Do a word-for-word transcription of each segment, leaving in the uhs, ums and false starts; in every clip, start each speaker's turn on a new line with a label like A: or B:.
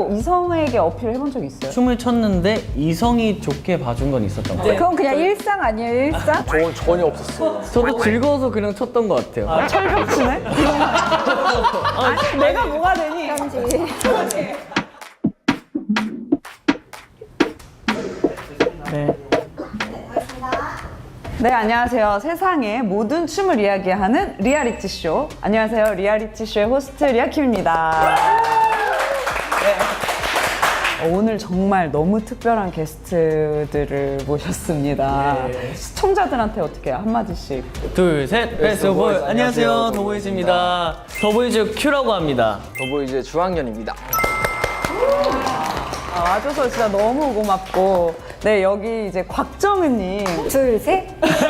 A: 이성에게 어필을 해본 적이 있어요?
B: 춤을 췄는데 이성이 좋게 봐준 건 있었던 것 같아요.
C: 그건 그냥 일상 아니에요, 일상?
D: 저건 전혀 없었어.
B: 저도 즐거워서 그냥 췄던 것 같아요.
A: 아, 철벽치네? 아니, 내가 뭐가 되니?
C: 편지.
B: 네.
A: 네, 안녕하세요. 세상의 모든 춤을 이야기하는 리얼리티쇼. 안녕하세요. 리얼리티쇼의 호스트 리아킴입니다. 네. 어, 오늘 정말 너무 특별한 게스트들을 모셨습니다. 시청자들한테 어떻게 한마디씩.
B: 둘, 셋, 베스트 보이. 안녕하세요, 더보이즈입니다. 더보이즈 큐라고 합니다.
D: 더보이즈 주학년입니다.
A: 아, 와줘서 진짜 너무 고맙고. 네, 여기 이제 곽정은님.
C: 둘, 셋.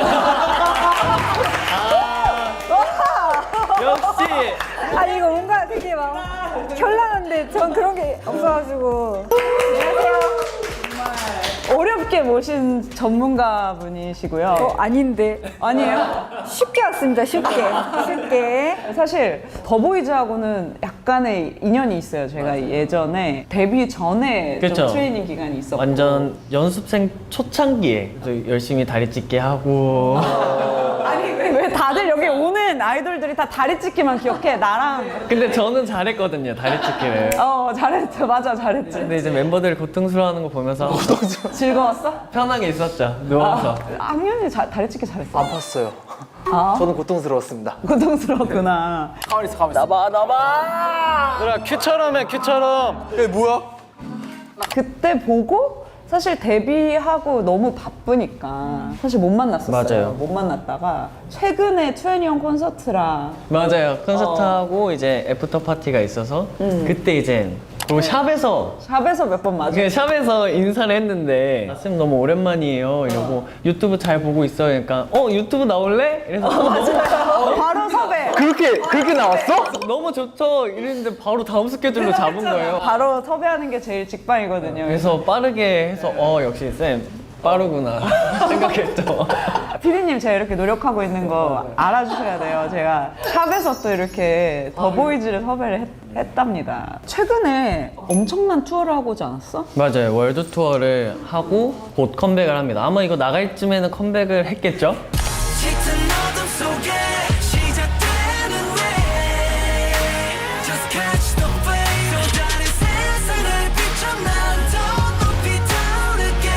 B: 역시!
C: 아, 이거 뭔가 되게 막 현란한데 전 그런 게 없어가지고. 안녕하세요.
A: 어렵게 모신 전문가분이시고요.
C: 어, 아닌데.
A: 아니에요?
C: 쉽게 왔습니다, 쉽게. 쉽게.
A: 사실 더보이즈하고는 약간의 인연이 있어요. 제가 예전에 데뷔 전에
B: 그쵸.
A: 좀 트레이닝 기간이 있었고
B: 완전 연습생 초창기에 또 열심히 다리 찢기 하고.
A: 아니 왜, 왜 다들 여기 오는 아이돌들이 다 다리 찢기만 기억해? 나랑
B: 근데 저는 잘했거든요, 다리 찢기를.
A: 어 잘했죠. 맞아 잘했지.
B: 근데 이제 멤버들 고통스러워하는 거 보면서
A: 즐거웠어?
B: 편하게 있었죠, 누워서.
A: 아, 학년이 자, 다리 찢기 잘했어.
D: 안 팠어요.
A: 아,
D: 저는 고통스러웠습니다.
A: 고통스러웠구나.
D: 가만히 있어, 가만히 있어. 나봐, 나봐!
B: 얘들아, 큐처럼 해, 큐처럼.
D: 얘 뭐야?
A: 그때 보고 사실 데뷔하고 너무 바쁘니까 사실 못 만났었어요.
B: 맞아요.
A: 못 만났다가 최근에 투애니원 콘서트랑
B: 맞아요. 콘서트하고 이제 애프터 파티가 있어서 그때 이제 그리고 샵에서
A: 샵에서 몇 번 맞아.
B: 그 샵에서 인사를 했는데 아, 쌤 너무 오랜만이에요 이러고 유튜브 잘 보고 있어요. 그러니까 어 유튜브 나올래? 이래서
A: 맞아요. 바로 섭외.
D: 그렇게, 그렇게 나왔어?
B: 너무 좋죠 이랬는데 바로 다음 스케줄로 잡은 거예요.
A: 바로 섭외하는 게 제일 직방이거든요.
B: 그래서 빠르게 해서 어 역시 쌤 빠르구나 생각했죠.
A: 피디님 제가 이렇게 노력하고 있는 거 알아주셔야 돼요. 제가 샵에서 또 이렇게 더보이즈를 섭외를 했, 했답니다. 최근에 엄청난 투어를 하고 오지 않았어?
B: 맞아요. 월드 투어를 하고 곧 컴백을 합니다. 아마 이거 나갈 쯤에는 컴백을 했겠죠?
E: 짙은 어둠 속에 시작되는 way Just catch the flame 또 다른 세상을 비춰 난 더 높이 타오르게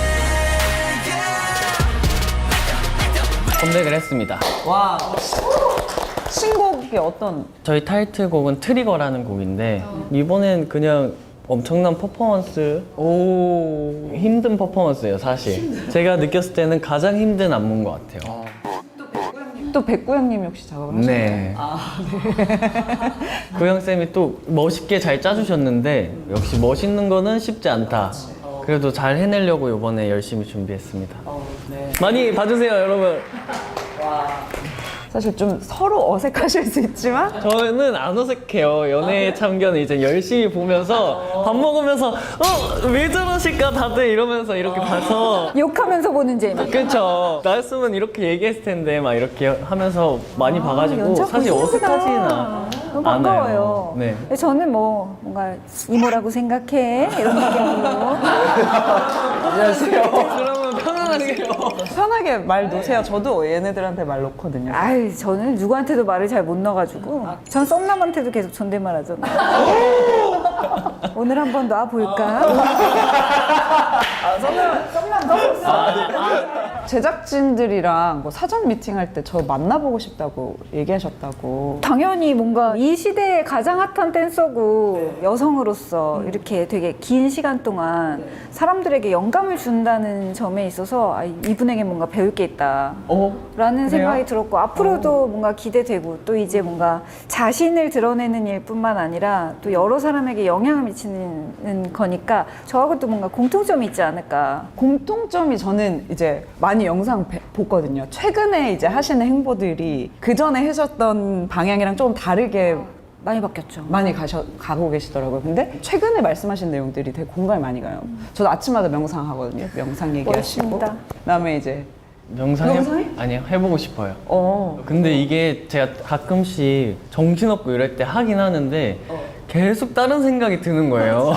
E: yeah.
B: 컴백을 했습니다.
A: 와. 신곡이 어떤?
B: 저희 타이틀곡은 트리거라는 곡인데 이번엔 그냥 엄청난 퍼포먼스 오 힘든 퍼포먼스예요 사실. 제가 느꼈을 때는 가장 힘든 안무인 것 같아요.
A: 또 백구 형님이 혹시 작업을 하셨나요?
B: 네. 구영 쌤이 또 멋있게 잘 짜주셨는데 역시 멋있는 거는 쉽지 않다. 그래도 잘 해내려고 이번에 열심히 준비했습니다. 많이 봐주세요 여러분.
A: 사실 좀 서로 어색하실 수 있지만
B: 저는 안 어색해요. 연애 참견을 이제 열심히 보면서 밥 먹으면서 어? 왜 저러실까 다들 이러면서 이렇게 봐서
C: 욕하면서 보는 재미.
B: 그쵸. 나였으면 이렇게 얘기했을 텐데 막 이렇게 하면서 많이 봐가지고
C: 연차
B: 사실
C: 보시는구나.
B: 어색하지는
C: 너무 반가워요.
B: 않아요. 네.
C: 근데 저는 뭐 뭔가 이모라고 생각해 이런 느낌으로.
B: 그러면 편안하게
A: 편하게 말 놓으세요. 저도 얘네들한테 말 놓거든요.
C: 아이 저는 누구한테도 말을 잘 못 넣어가지고 전 썸남한테도 계속 존댓말 하잖아요. 오늘 한번 놔볼까?
A: 제작진들이랑 뭐 사전 미팅할 때 저 만나보고 싶다고 얘기하셨다고.
C: 당연히 뭔가 이 시대에 가장 핫한 댄서고 여성으로서 이렇게 되게 긴 시간 동안 사람들에게 영감을 준다는 점에 있어서 아, 이분에게 뭔가 배울 게 있다
A: 어?
C: 라는
A: 그래요?
C: 생각이 들었고 앞으로도 뭔가 기대되고 또 이제 뭔가 자신을 드러내는 일뿐만 아니라 또 여러 사람에게 영향을 미치는 거니까 저하고 또 뭔가 공통점이 있지 않을까.
A: 공통점이 저는 이제 많이 영상 배- 보거든요. 최근에 이제 하시는 행보들이 그 전에 하셨던 방향이랑 조금 다르게
C: 많이 바뀌었죠.
A: 많이 가셔, 가고 계시더라고요. 근데 최근에 말씀하신 내용들이 되게 공감이 많이 가요. 저도 아침마다 명상 하거든요. 명상 얘기하시고.
C: 멋있습니다.
A: 그다음에 이제
B: 명상 해,
A: 명상해?
B: 아니요 해보고 싶어요.
A: 어.
B: 근데 이게 제가 가끔씩 정신없고 이럴 때 하긴 하는데 계속 다른 생각이 드는 거예요.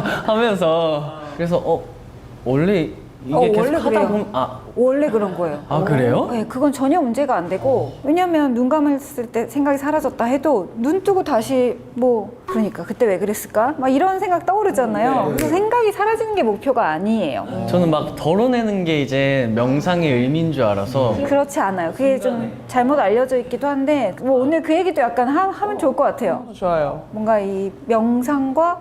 B: 하면서 그래서 어 원래 이게
C: 어,
B: 계속
C: 원래
B: 하다
C: 그래요.
B: 보면 아,
C: 원래 그런 거예요.
B: 아 그래요?
C: 네, 그건 전혀 문제가 안 되고 왜냐면 눈 감았을 때 생각이 사라졌다 해도 눈 뜨고 다시 뭐 그러니까 그때 왜 그랬을까? 막 이런 생각 떠오르잖아요. 그래서 생각이 사라지는 게 목표가 아니에요.
B: 저는 막 덜어내는 게 이제 명상의 의미인 줄 알아서
C: 그렇지 않아요. 그게 좀 잘못 알려져 있기도 한데 뭐 오늘 그 얘기도 약간 하, 하면 좋을 것 같아요.
A: 좋아요.
C: 뭔가 이 명상과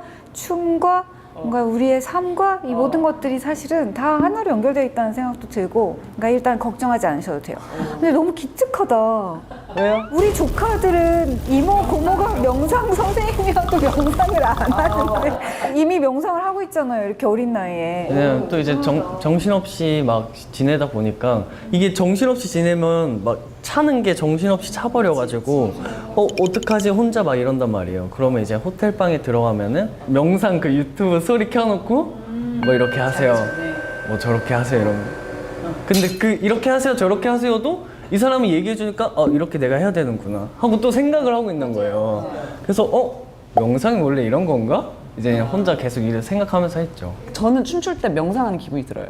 C: 춤과 뭔가 우리의 삶과 이 모든 것들이 사실은 다 하나로 연결되어 있다는 생각도 들고 그러니까 일단 걱정하지 않으셔도 돼요. 근데 너무 기특하다.
A: 왜요?
C: 우리 조카들은 이모 고모가 명상 선생님이어도 명상을 안 하는데 이미 명상을 하고 있잖아요. 이렇게 어린 나이에.
B: 그냥 또 이제 정, 정신없이 막 지내다 보니까 이게 정신없이 지내면 막 차는 게 정신없이 차버려가지고 어 어떡하지 혼자 막 이런단 말이에요. 그러면 이제 호텔방에 들어가면은 명상 그 유튜브 소리 켜놓고 뭐 이렇게 하세요, 뭐 저렇게 하세요 이러면 근데 그 이렇게 하세요 저렇게 하세요도 이 사람이 얘기해 주니까 어 이렇게 내가 해야 되는구나 하고 또 생각을 하고 있는 거예요. 그래서 어 명상이 원래 이런 건가? 이제 그냥 혼자 계속 일을 생각하면서 했죠.
A: 저는 춤출 때 명상하는 기분이 들어요.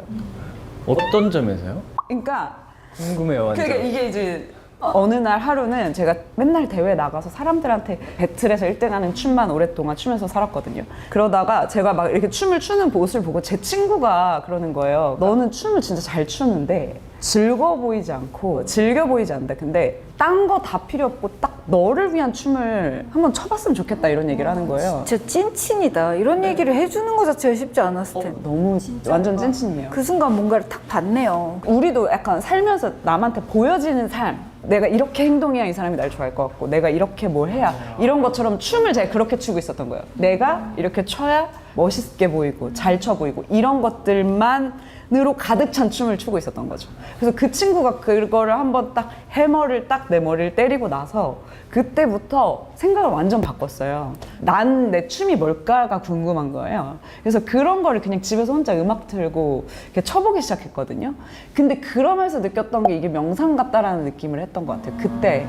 B: 어떤 점에서요?
A: 그러니까
B: 궁금해요 완전.
A: 그러니까 이게 이제 어느 날 하루는 제가 맨날 대회 나가서 사람들한테 배틀에서 일 등하는 춤만 오랫동안 추면서 살았거든요. 그러다가 제가 막 이렇게 춤을 추는 모습을 보고 제 친구가 그러는 거예요. 너는 춤을 진짜 잘 추는데 즐거워 보이지 않고 즐겨 보이지 않는다. 근데 딴 거 다 필요 없고 딱 너를 위한 춤을 한번 춰봤으면 좋겠다 이런 얘기를 하는 거예요.
C: 진짜 찐친이다. 이런 얘기를 해주는 것 자체가 쉽지 않았을 텐데.
A: 너무 완전 찐친이에요.
C: 그 순간 뭔가를 탁 봤네요.
A: 우리도 약간 살면서 남한테 보여지는 삶, 내가 이렇게 행동해야 이 사람이 날 좋아할 것 같고 내가 이렇게 뭘 해야 이런 것처럼 춤을 제가 그렇게 추고 있었던 거예요. 내가 이렇게 춰야 멋있게 보이고 잘 춰 보이고 이런 것들만으로 가득 찬 춤을 추고 있었던 거죠. 그래서 그 친구가 그거를 한번 딱 해머를 딱 내 머리를 때리고 나서 그때부터 생각을 완전 바꿨어요. 난 내 춤이 뭘까가 궁금한 거예요. 그래서 그런 거를 그냥 집에서 혼자 음악 틀고 이렇게 쳐보기 시작했거든요. 근데 그러면서 느꼈던 게 이게 명상 같다라는 느낌을 했던 것 같아요. 그때.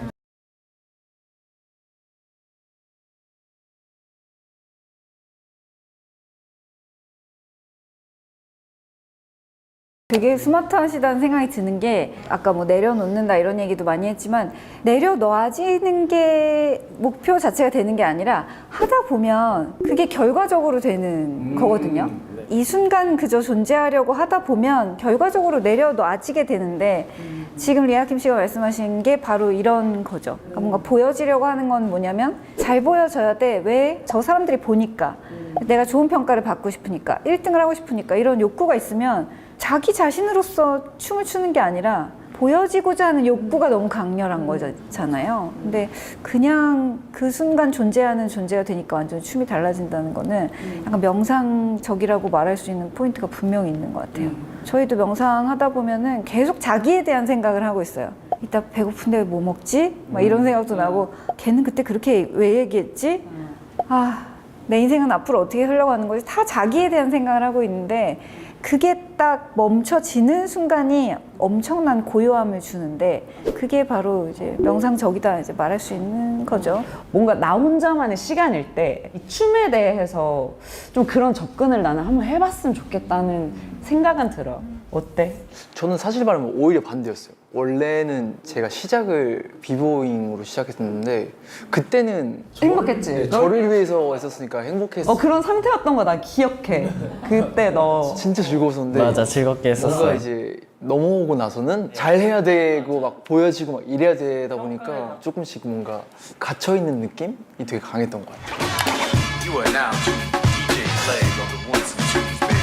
C: 되게 스마트하시다는 생각이 드는 게 아까 뭐 내려놓는다 이런 얘기도 많이 했지만 내려놓아지는 게 목표 자체가 되는 게 아니라 하다 보면 그게 결과적으로 되는 거거든요. 이 순간 그저 존재하려고 하다 보면 결과적으로 내려놓아지게 되는데 지금 리아킴 씨가 말씀하신 게 바로 이런 거죠. 그러니까 뭔가 보여지려고 하는 건 뭐냐면 잘 보여져야 돼. 왜? 저 사람들이 보니까. 내가 좋은 평가를 받고 싶으니까. 일 등을 하고 싶으니까. 이런 욕구가 있으면 자기 자신으로서 춤을 추는 게 아니라 보여지고자 하는 욕구가 너무 강렬한 거잖아요. 근데 그냥 그 순간 존재하는 존재가 되니까 완전 춤이 달라진다는 거는 약간 명상적이라고 말할 수 있는 포인트가 분명히 있는 것 같아요. 저희도 명상하다 보면은 계속 자기에 대한 생각을 하고 있어요. 이따 배고픈데 뭐 먹지? 막 이런 생각도 나고 걔는 그때 그렇게 왜 얘기했지? 아, 내 인생은 앞으로 어떻게 흘러가는 거지? 다 자기에 대한 생각을 하고 있는데 그게 딱 멈춰지는 순간이 엄청난 고요함을 주는데 그게 바로 이제 명상적이다 이제 말할 수 있는 거죠.
A: 뭔가 나 혼자만의 시간일 때 이 춤에 대해서 좀 그런 접근을 나는 한번 해봤으면 좋겠다는 생각은 들어. 어때?
D: 저는 사실 말하면 오히려 반대였어요. 원래는 제가 시작을 비보잉으로 시작했었는데 그때는
A: 행복했지?
D: 네, 저를 위해서 했었으니까 행복했어.
A: 어 그런 상태였던 거 나 기억해. 그때 너
D: 진짜 즐거웠었는데
B: 맞아 즐겁게
D: 뭔가
B: 했었어요.
D: 이제 넘어오고 나서는 잘 해야 되고 막 보여지고 막 이래야 되다 보니까 조금씩 뭔가 갇혀 있는 느낌이 되게 강했던 것 같아요.
E: You are now tuning to D J Slade on the ones and twos, baby.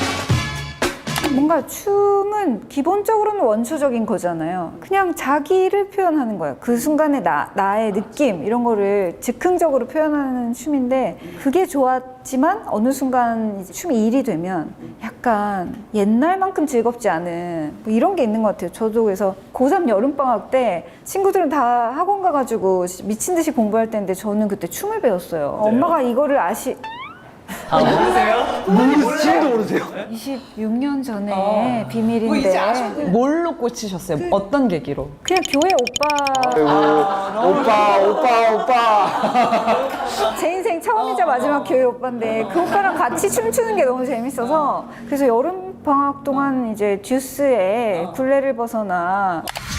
C: 뭔가 춤은 기본적으로는 원초적인 거잖아요. 그냥 자기를 표현하는 거예요. 그 순간의 나, 나의 느낌 이런 거를 즉흥적으로 표현하는 춤인데 그게 좋았지만 어느 순간 이제 춤이 일이 되면 약간 옛날만큼 즐겁지 않은 뭐 이런 게 있는 것 같아요. 저도 그래서 고삼 여름방학 때 친구들은 다 학원 가가지고 미친 듯이 공부할 때인데 저는 그때 춤을 배웠어요. 엄마가 이거를 아시...
B: 아 모르세요?
D: 모르, 지금도 모르세요?
C: 이십육 년 전에 비밀인데
A: 뭘로 꽂히셨어요? 어떤 계기로?
C: 그냥 교회 오빠
D: 아이고, 오빠, 오빠, 오빠.
C: 제 인생 처음이자 마지막 교회 오빠인데 그 오빠랑 같이 춤추는 게 너무 재밌어서 그래서 여름 방학 동안 이제 듀스에 굴레를 벗어나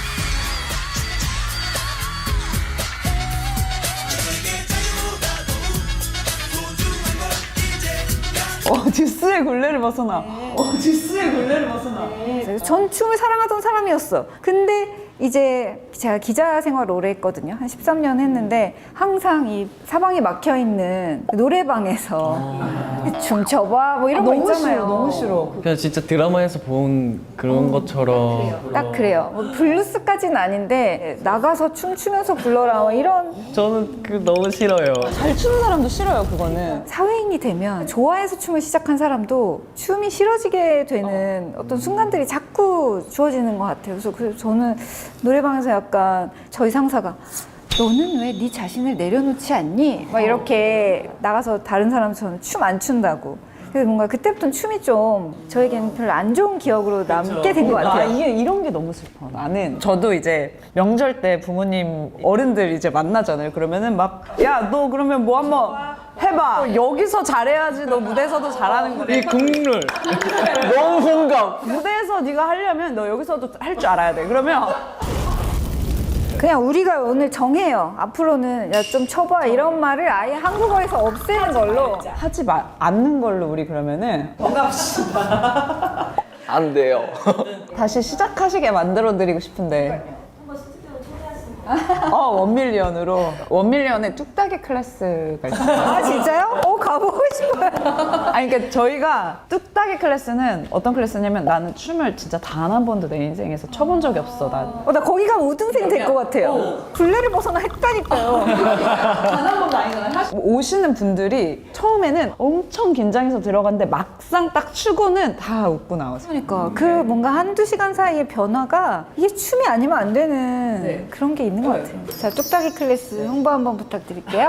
A: 어, 듀스의 굴레를 벗어나. 어, 듀스의 굴레를 벗어나.
C: 그래서 전 춤을 사랑하던 사람이었어. 근데 이제 제가 기자 생활을 오래 했거든요. 한 십삼 년 했는데 항상 이 사방이 막혀 있는 노래방에서 춤춰봐 뭐 이런 거
A: 너무
C: 있잖아요.
A: 싫어, 너무 싫어.
B: 그냥 진짜 드라마에서 본 그런 것처럼
C: 딱 그래요. 뭐 블루스까지는 아닌데 나가서 춤추면서 불러라 뭐 이런
B: 저는 그 너무 싫어요.
A: 잘 추는 사람도 싫어요, 그거는.
C: 사회인이 되면 좋아해서 춤을 시작한 사람도 춤이 싫어지게 되는 어떤 순간들이 자꾸 주어지는 것 같아요. 그래서 그 저는 노래방에서 약간 저희 상사가 너는 왜 네 자신을 내려놓지 않니? 막 이렇게 나가서 다른 사람처럼 춤 안 춘다고. 그래서 뭔가 그때부터는 춤이 좀 저에게는 별로 안 좋은 기억으로 남게 된 것
A: 아,
C: 같아요.
A: 이게 이런 게 너무 슬퍼. 나는 저도 이제 명절 때 부모님 어른들 이제 만나잖아요. 그러면은 막 야 너 그러면 뭐 한번 해봐. 어, 여기서 잘해야지 너 무대에서도 잘하는 거래.
B: 이 국룰.
D: 너무 공감.
A: 무대에서 네가 하려면 너 여기서도 할 줄 알아야 돼. 그러면
C: 그냥 우리가 오늘 정해요. 앞으로는 야 좀 쳐봐 이런 말을 아예 한국어에서 없애는 걸로.
A: 하지 마, 않는 걸로 우리 그러면은
D: 안 돼요.
A: 다시 시작하시게 만들어 드리고 싶은데. 어, 원밀리언으로. 원밀리언에 뚝딱이 클래스가 있어요.
C: 아 진짜요? 어 가보고 싶어요.
A: 아니, 그러니까 저희가 뚝딱이 클래스는 어떤 클래스냐면 나는 춤을 진짜 단 한 번도 내 인생에서 춰본 적이 없어. 난.
C: 어, 나 거기 가면 우등생 될 것 같아요. 굴레를 벗어나 했다니까요.
A: 오시는 분들이 처음에는 엄청 긴장해서 들어갔는데 막상 딱 추고는 다 웃고 나오세요.
C: 그러니까 그 뭔가 한두 시간 사이의 변화가 이게 춤이 아니면 안 되는 그런 게 있는 것 같아요. 자, 뚝딱이 클래스 홍보 한번 부탁드릴게요.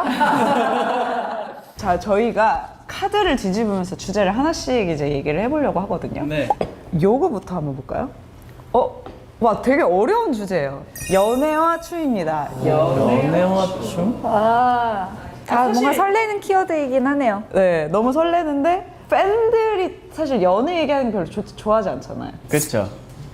A: 자, 저희가 카드를 뒤집으면서 주제를 하나씩 이제 얘기를 해보려고 하거든요.
B: 네.
A: 요거부터 한번 볼까요? 어? 와, 되게 어려운 주제예요. 연애와 춤입니다.
B: 연애와 춤?
C: 아, 다 뭔가 설레는 키워드이긴 하네요.
A: 네, 너무 설레는데 팬들이 사실 연애 얘기하는 거 별로 좋- 좋아하지 않잖아요.
B: 그렇죠.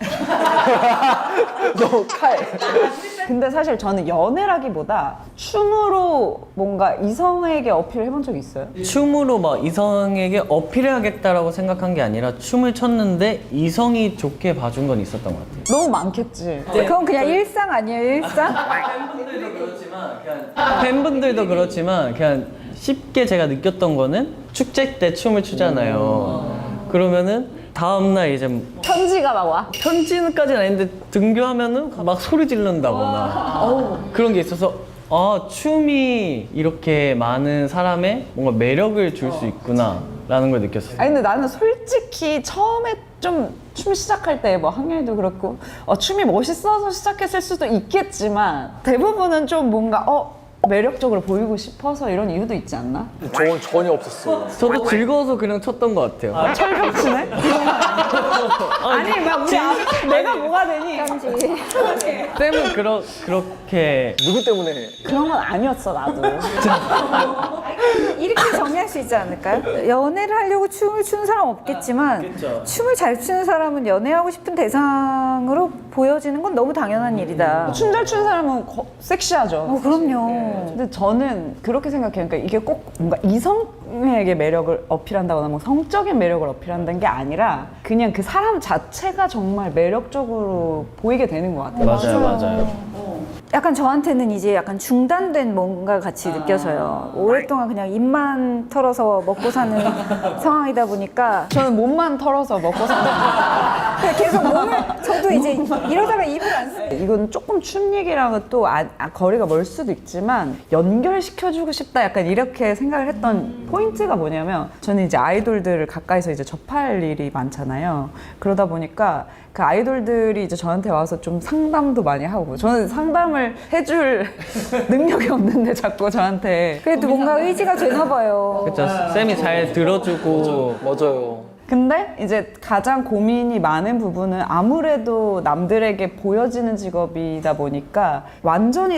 D: 너무 칼.
A: 근데 사실 저는 연애라기보다 춤으로 뭔가 이성에게 어필을 해본 적이 있어요.
B: 춤으로 막 이성에게 어필해야겠다라고 생각한 게 아니라 춤을 췄는데 이성이 좋게 봐준 건 있었던 것 같아요.
A: 너무 많겠지.
C: 그건 그냥 일상 아니에요, 일상?
B: 팬분들도 그렇지만 그냥 팬분들도 그렇지만 그냥 쉽게 제가 느꼈던 거는 축제 때 춤을 추잖아요. 그러면은 다음날 이제
A: 편지가 막 와.
B: 편지는까지는 아닌데 등교하면은 막 소리 지른다거나 그런 게 있어서 아 춤이 이렇게 많은 사람의 뭔가 매력을 줄 수 있구나라는 걸 느꼈어요.
A: 아니 근데 나는 솔직히 처음에 좀 춤 시작할 때 뭐 학년이도 그렇고 어, 춤이 멋있어서 시작했을 수도 있겠지만 대부분은 좀 뭔가 어 매력적으로 보이고 싶어서 이런 이유도 있지 않나?
D: 저건 전혀 없었어요.
B: 저도 즐거워서 그냥 췄던 것 같아요.
A: 철벽치네? 아니 막 우리 아, 내가 뭐가 되니?
B: 쌤은 그러, 그렇게
D: 누구 때문에?
A: 그런 건 아니었어 나도.
C: 이렇게 정리할 수 있지 않을까요? 연애를 하려고 춤을 추는 사람 없겠지만 춤을 잘 추는 사람은 연애하고 싶은 대상으로 보여지는 건 너무 당연한 일이다.
A: 춤 잘 추는 사람은 거- 섹시하죠.
C: 어, 그럼요.
A: 근데 저는 그렇게 생각해요. 그러니까 이게 꼭 뭔가 이성에게 매력을 어필한다거나 뭐 성적인 매력을 어필한다는 게 아니라 그냥 그 사람 자체가 정말 매력적으로 보이게 되는 것 같아요.
B: 맞아요, 맞아요.
C: 약간 저한테는 이제 약간 중단된 뭔가 같이 느껴져요. 오랫동안 그냥 입만 털어서 먹고 사는 상황이다 보니까
A: 저는 몸만 털어서 먹고 사는
C: 그냥 계속 몸을 저도 이제 이러다가 입을 안 쓰.
A: 이건 조금 춤 얘기랑은 또 아, 아, 거리가 멀 수도 있지만 연결시켜주고 싶다 약간 이렇게 생각을 했던 음. 포인트가 뭐냐면 저는 이제 아이돌들을 가까이서 이제 접할 일이 많잖아요. 그러다 보니까 그 아이돌들이 이제 저한테 와서 좀 상담도 많이 하고 저는 상담을 해줄 능력이 없는데 자꾸 저한테
C: 그래도 뭔가 의지가 되나 봐요.
B: 그쵸. 쌤이 잘 들어주고
D: 맞아요.
A: 근데 이제 가장 고민이 많은 부분은 아무래도 남들에게 보여지는 직업이다 보니까 완전히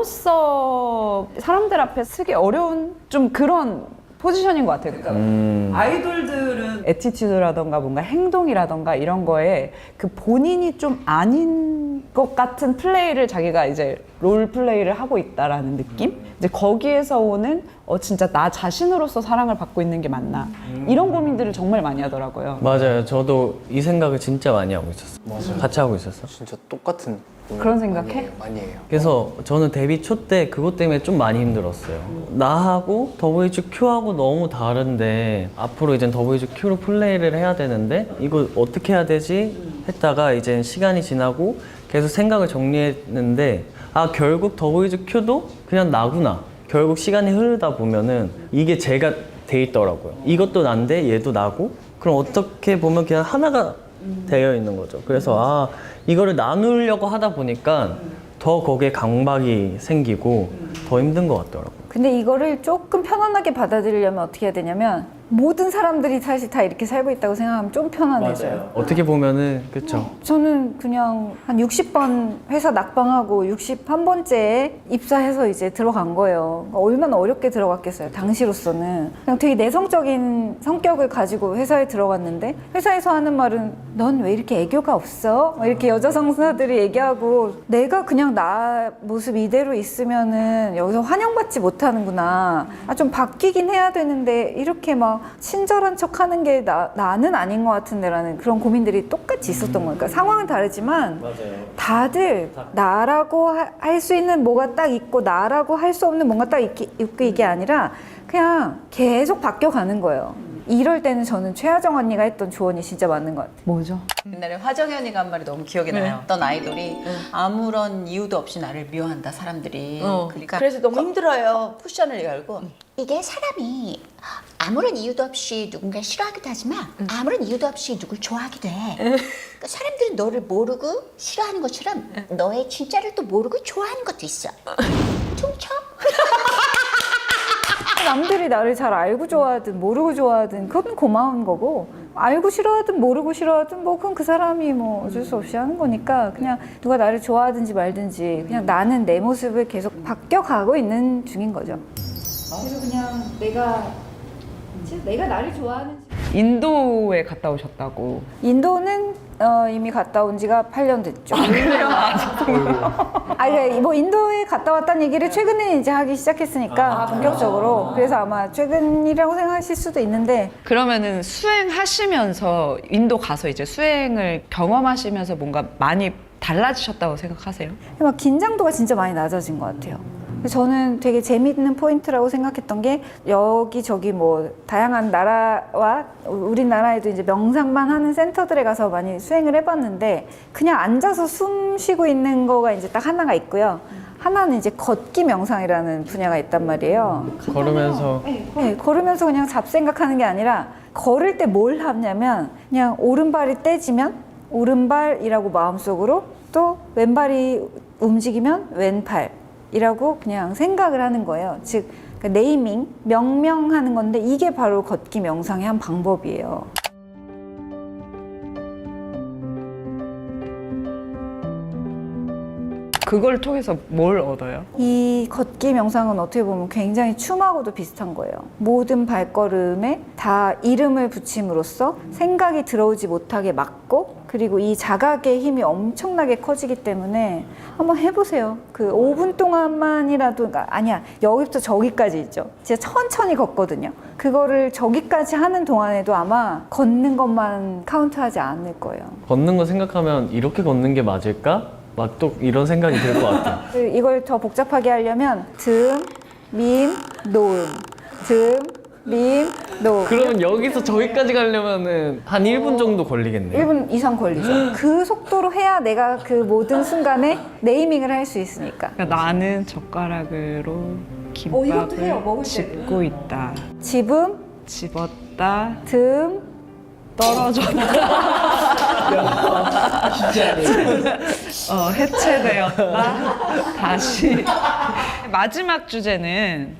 A: 나로서 사람들 앞에 쓰기 어려운 좀 그런 포지션인 것 같아요. 그러니까
B: 음.
A: 아이돌들은 애티튜드라던가 뭔가 행동이라던가 이런 거에 그 본인이 좀 아닌 것 같은 플레이를 자기가 이제 롤 플레이를 하고 있다라는 느낌? 이제 거기에서 오는 어 진짜 나 자신으로서 사랑을 받고 있는 게 맞나? 이런 고민들을 정말 많이 하더라고요.
B: 맞아요. 저도 이 생각을 진짜 많이 하고 있었어요.
D: 맞아요.
B: 같이 하고 있었어.
D: 진짜 똑같은
A: 그런 생각해?
D: 많이 해요. 많이 해요.
B: 그래서 저는 데뷔 초 때 그것 때문에 좀 많이 힘들었어요. 나하고 더보이즈 큐하고 너무 다른데 앞으로 이제 더보이즈 큐로 플레이를 해야 되는데 이거 어떻게 해야 되지? 했다가 이제 시간이 지나고 계속 생각을 정리했는데 아 결국 더보이즈 큐도 그냥 나구나. 결국 시간이 흐르다 보면은 이게 제가 돼 있더라고요. 이것도 난데 얘도 나고 그럼 어떻게 보면 그냥 하나가 되어 있는 거죠. 그래서 아 이거를 나누려고 하다 보니까 더 거기에 강박이 생기고 더 힘든 것 같더라고요.
C: 근데 이거를 조금 편안하게 받아들이려면 어떻게 해야 되냐면 모든 사람들이 사실 다 이렇게 살고 있다고 생각하면 좀 편안해져요.
B: 어떻게 보면은 그렇죠.
C: 저는 그냥 한 육십 번 회사 낙방하고 육십일 번째에 입사해서 이제 들어간 거예요. 얼마나 어렵게 들어갔겠어요, 당시로서는. 그냥 되게 내성적인 성격을 가지고 회사에 들어갔는데 회사에서 하는 말은 넌 왜 이렇게 애교가 없어? 막 이렇게 여자 상사들이 얘기하고 내가 그냥 나 모습 이대로 있으면은 여기서 환영받지 못하는구나. 아, 좀 바뀌긴 해야 되는데 이렇게 막 친절한 척 하는 게 나, 나는 아닌 것 같은데라는 그런 고민들이 똑같이 있었던 거예요. 그러니까 상황은 다르지만 다들 나라고 할 수 있는 뭐가 딱 있고 나라고 할 수 없는 뭔가 딱 있기, 있고 이게 아니라 그냥 계속 바뀌어가는 거예요. 이럴 때는 저는 최하정 언니가 했던 조언이 진짜 맞는 것 같아요.
A: 뭐죠?
F: 옛날에 화정현이가 한 말이 너무 기억이 나요. 어떤 아이돌이 아무런 이유도 없이 나를 미워한다 사람들이. 그러니까
G: 그래서 너무 힘들어요.
F: 쿠션을 열고
H: 이게 사람이 아무런 이유도 없이 누군가를 싫어하기도 하지만 아무런 이유도 없이 누굴 좋아하기도 해. 그러니까 사람들은 너를 모르고 싫어하는 것처럼 너의 진짜를 또 모르고 좋아하는 것도 있어. 퉁쳐?
C: 남들이 나를 잘 알고 좋아하든 모르고 좋아하든 그건 고마운 거고 알고 싫어하든 모르고 싫어하든 뭐 그건 그 사람이 뭐 어쩔 수 없이 하는 거니까 그냥 누가 나를 좋아하든지 말든지 그냥 나는 내 모습을 계속 바뀌어가고 있는 중인 거죠. 그래서 그냥 내가 진짜 내가 나를 좋아하는지
A: 인도에 갔다 오셨다고.
C: 인도는 어, 이미 갔다 온 지가 팔 년 됐죠. 아, 그러니까 뭐 인도에 갔다 왔다는 얘기를 최근에 이제 하기 시작했으니까 본격적으로. 그래서 아마 최근이라고 생각하실 수도 있는데
A: 그러면은 수행하시면서 인도 가서 이제 수행을 경험하시면서 뭔가 많이 달라지셨다고 생각하세요?
C: 막 긴장도가 진짜 많이 낮아진 것 같아요. 저는 되게 재미있는 포인트라고 생각했던 게 여기저기 뭐 다양한 나라와 우리나라에도 이제 명상만 하는 센터들에 가서 많이 수행을 해봤는데 그냥 앉아서 숨 쉬고 있는 거가 이제 딱 하나가 있고요. 하나는 이제 걷기 명상이라는 분야가 있단 말이에요.
B: 걸으면서
C: 네, 걸으면서 그냥 잡생각하는 게 아니라 걸을 때 뭘 하냐면 그냥 오른발이 떼지면 오른발이라고 마음속으로 또 왼발이 움직이면 왼팔 이라고 그냥 생각을 하는 거예요. 즉 그러니까 네이밍, 명명하는 건데 이게 바로 걷기 명상의 한 방법이에요.
A: 그걸 통해서 뭘 얻어요?
C: 이 걷기 명상은 어떻게 보면 굉장히 춤하고도 비슷한 거예요. 모든 발걸음에 다 이름을 붙임으로써 생각이 들어오지 못하게 막고 그리고 이 자각의 힘이 엄청나게 커지기 때문에 한번 해보세요. 그 오 분 동안만이라도 그러니까 아니야 여기부터 저기까지 있죠. 진짜 천천히 걷거든요. 그거를 저기까지 하는 동안에도 아마 걷는 것만 카운트하지 않을 거예요.
B: 걷는 거 생각하면 이렇게 걷는 게 맞을까? 막 또 이런 생각이 들 것 같아요.
C: 이걸 더 복잡하게 하려면 듬, 밈, 노음 듬, 밈, 노.
B: 그러면 여기서 저기까지 가려면은 한 일 분 정도 걸리겠네요.
C: 일 분 이상 걸리죠. 그 속도로 해야 내가 그 모든 순간에 네이밍을 할 수 있으니까.
A: 그러니까 나는 젓가락으로
C: 어, 이것도 해요,
A: 김밥을
C: 먹을 때.
A: 집고 있다.
C: 집음,
A: 집었다.
C: 듬,
A: 떨어졌다. 어, 해체되었다. 다시. 마지막 주제는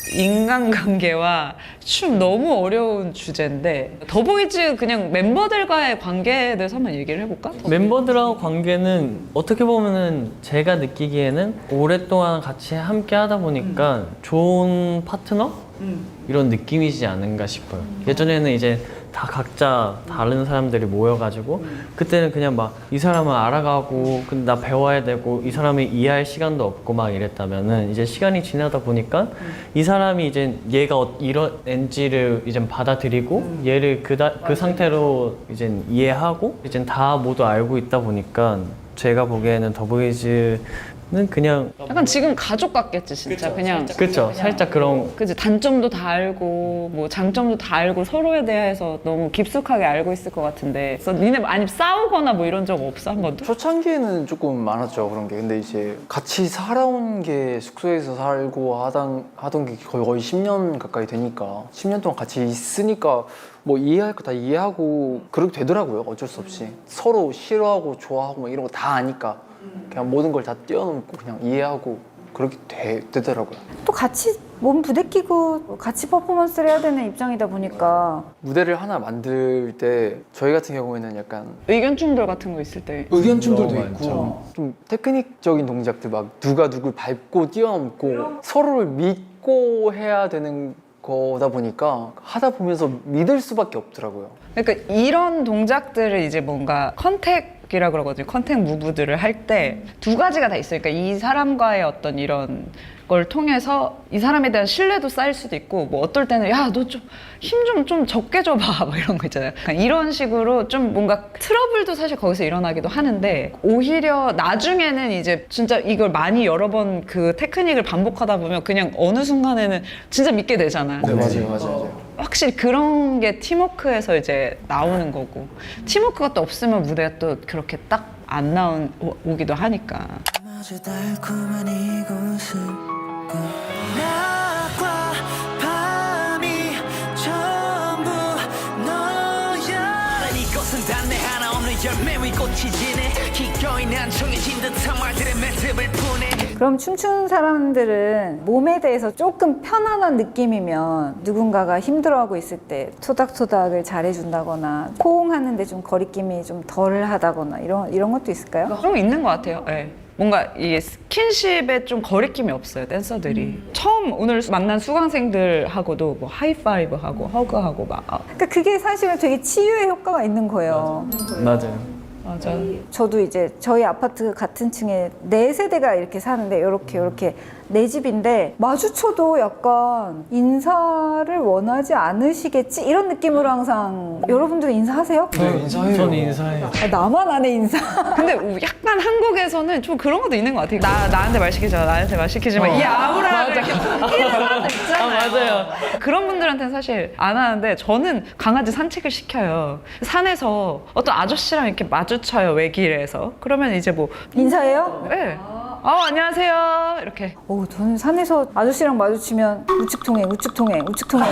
A: 인간관계와 춤. 너무 어려운 주제인데 더보이즈 그냥 멤버들과의 관계에 대해서 한번 얘기를 해볼까?
B: 멤버들하고 관계는 어떻게 보면은 제가 느끼기에는 오랫동안 같이 함께 하다 보니까 좋은 파트너? 이런 느낌이지 않은가 싶어요. 예전에는 이제 다 각자 다른 사람들이 모여가지고 그때는 그냥 막 이 사람은 알아가고 근데 나 배워야 되고 이 사람을 이해할 시간도 없고 막 이랬다면은 이제 시간이 지나다 보니까 이 사람이 이제 얘가 어- 이런 엔지를 이제 받아들이고 얘를 그다, 그 상태로 이제 이해하고 이제 다 모두 알고 있다 보니까 제가 보기에는 더보이즈는 그냥
A: 약간 지금 가족 같겠지 진짜. 그냥
B: 그쵸 살짝 그런
A: 그지 단점도 다 알고 뭐 장점도 다 알고 서로에 대해서 너무 깊숙하게 알고 있을 것 같은데. 그래서 니네 아니 싸우거나 뭐 이런 적 없어 한 번도?
D: 초창기에는 조금 많았죠 그런 게. 근데 이제 같이 살아온 게 숙소에서 살고 하던 하던 게 거의 거의 십 년 가까이 되니까 십 년 동안 같이 있으니까 뭐 이해할 거 다 이해하고 그렇게 되더라고요. 어쩔 수 없이 서로 싫어하고 좋아하고 뭐 이런 거 다 아니까 그냥 모든 걸 다 뛰어넘고 그냥 이해하고 그렇게 되, 되더라고요.
C: 또 같이 몸 부대끼고 같이 퍼포먼스를 해야 되는 입장이다 보니까
D: 무대를 하나 만들 때 저희 같은 경우에는 약간
A: 의견 충돌 같은 거 있을 때
D: 의견 충돌도
B: 너무
D: 있고
B: 많죠.
D: 좀 테크닉적인 동작들 막 누가 누굴 밟고 뛰어넘고 서로를 믿고 해야 되는 거다 보니까 하다 보면서 믿을 수밖에 없더라고요.
A: 그러니까 이런 동작들을 이제 뭔가 컨택이라 그러거든요. 컨택 무브들을 할 때 두 가지가 다 있어요. 그러니까 이 사람과의 어떤 이런 걸 통해서 이 사람에 대한 신뢰도 쌓일 수도 있고 뭐 어떨 때는 야 너 좀 힘 좀 좀 적게 줘봐 뭐 이런 거 있잖아요. 그러니까 이런 식으로 좀 뭔가 트러블도 사실 거기서 일어나기도 하는데 오히려 나중에는 이제 진짜 이걸 많이 여러 번 그 테크닉을 반복하다 보면 그냥 어느 순간에는 진짜 믿게 되잖아요.
D: 네 맞아요 맞아요.
A: 확실히 그런 게 팀워크에서 이제 나오는 거고 팀워크가 또 없으면 무대가 또 그렇게 딱 안 나온 오- 오기도 하니까.
G: 아주 달콤한 이곳을 낮과 밤이 전부 너야 이곳은 단내 하나 없는 열매 위 꽃이 지네 기꺼이 난 정해진 듯한 말들의 매듭을 푸네.
C: 그럼 춤추는 사람들은 몸에 대해서 조금 편안한 느낌이면 누군가가 힘들어하고 있을 때 토닥토닥을 잘해준다거나 포옹하는데 좀 거리낌이 좀 덜하다거나 이런 이런 것도 있을까요?
A: 그런 거 있는 것 같아요. 예. 뭔가 이 스킨십에 좀 거리낌이 없어요, 댄서들이. 처음 오늘 만난 수강생들하고도 뭐 하이파이브 하고 허그하고 막. 아,
C: 그러니까 그게 사실은 되게 치유의 효과가 있는 거예요.
B: 맞아요.
A: 맞아.
C: 저도 이제 저희 아파트 같은 층에 네 세대가 이렇게 사는데 이렇게 이렇게 내 집인데 마주쳐도 약간 인사를 원하지 않으시겠지 이런 느낌으로 항상 여러분들은 인사하세요?
D: 네 인사해요.
B: 저는 인사해요.
C: 아, 나만 안 해 인사.
A: 근데 약간 한국에서는 좀 그런 것도 있는 것 같아요. 나, 나한테 말 시키지 마, 나한테 말 시키지 마. 이 아우라를 이렇게 이런 사람들 있잖아요.
B: 아, 맞아요.
A: 그런 분들한테는 사실 안 하는데 저는 강아지 산책을 시켜요. 산에서 어떤 아저씨랑 이렇게 마주쳐요, 외길에서. 그러면 이제 뭐,
C: 인사해요?
A: 네. 아, 안녕하세요. 이렇게.
C: 오, 저는 산에서 아저씨랑 마주치면 우측 통행, 우측 통행, 우측 통행.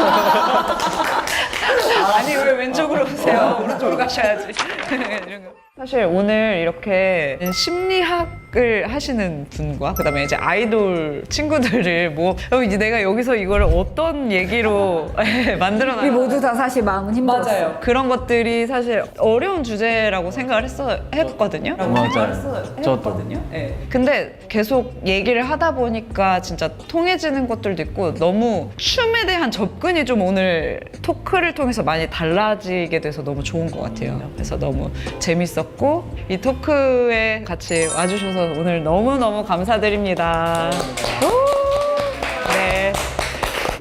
A: 아니, 왜 왼쪽으로 오세요? 오른쪽으로 가셔야지. 이런 거. 사실 오늘 이렇게 심리학을 하시는 분과 그다음에 이제 아이돌 친구들을 뭐 이제 내가 여기서 이걸 어떤 얘기로 만들어
C: 우리
A: 놔.
C: 모두 다 사실 마음은 힘들었어요.
A: 맞아요. 그런 것들이 사실 어려운 주제라고 생각을 했어 해봤거든요.
B: 맞아요. 저도.
A: 했거든요. 네. 근데 계속 얘기를 하다 보니까 진짜 통해지는 것들도 있고 너무 춤에 대한 접근이 좀 오늘 토크를 통해서 많이 달라지게 돼서 너무 좋은 것 같아요. 그래서 너무 재밌었고 이 토크에 같이 와주셔서 오늘 너무 너무 감사드립니다. 오! 네.